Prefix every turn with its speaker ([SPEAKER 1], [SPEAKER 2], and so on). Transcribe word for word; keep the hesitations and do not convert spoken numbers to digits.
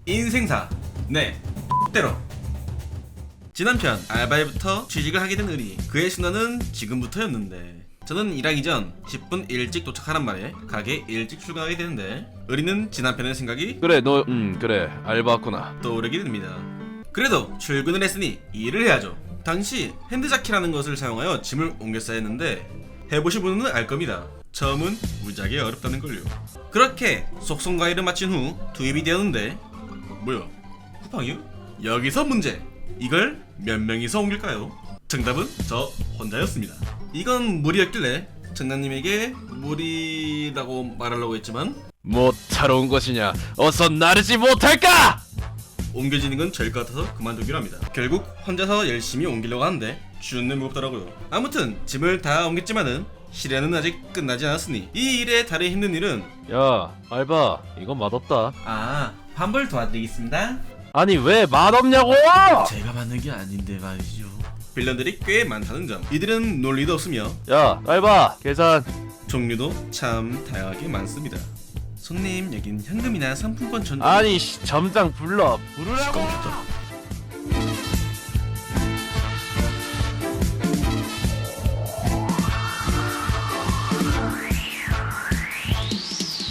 [SPEAKER 1] 인생사. 네, 때로. 지난편 알바일부터 취직을 하게 된 의리. 그의 순환은 지금부터였는데, 저는 일하기 전 십 분 일찍 도착하란 말에 가게에 일찍 출근하게 되는데, 의리는 지난편의 생각이
[SPEAKER 2] 그래 너 음 그래 알바구나.
[SPEAKER 1] 떠오르게 됩니다. 그래도 출근을 했으니 일을 해야죠. 당시 핸드자키라는 것을 사용하여 짐을 옮겼어야 했는데, 해보신 분은 알 겁니다. 처음은 무지하게 어렵다는 걸요. 그렇게 속성 과일을 마친 후 투입이 되었는데, 뭐야? 쿠팡이요? 여기서 문제. 이걸 몇 명이서 옮길까요? 정답은 저 혼자였습니다. 이건 무리였길래 정남님에게 무리라고 말하려고 했지만,
[SPEAKER 2] 못하러 온 것이냐? 어서 나르지 못할까?
[SPEAKER 1] 옮겨지는 건 저일 것 같아서 그만두기로 합니다. 결국 혼자서 열심히 옮기려고 하는데 죽는 무겁더라고요. 아무튼 짐을 다 옮겼지만은 실현은 아직 끝나지 않았으니 이 일에 다른 힘든 일은,
[SPEAKER 2] 야 알바 이건 맛없다.
[SPEAKER 1] 아, 환불 도와드리겠습니다.
[SPEAKER 2] 아니 왜 맛없냐고?
[SPEAKER 1] 제가 만든 게 아닌데 말이죠. 빌런들이 꽤 많다는 점. 이들은 논리도 없으며
[SPEAKER 2] 야 알바 계산.
[SPEAKER 1] 종류도 참 다양하게 많습니다. 손님, 여긴 현금이나 상품권 전송.
[SPEAKER 2] 아니 씨, 점장 불러 부르라고.
[SPEAKER 1] 시끄럽다.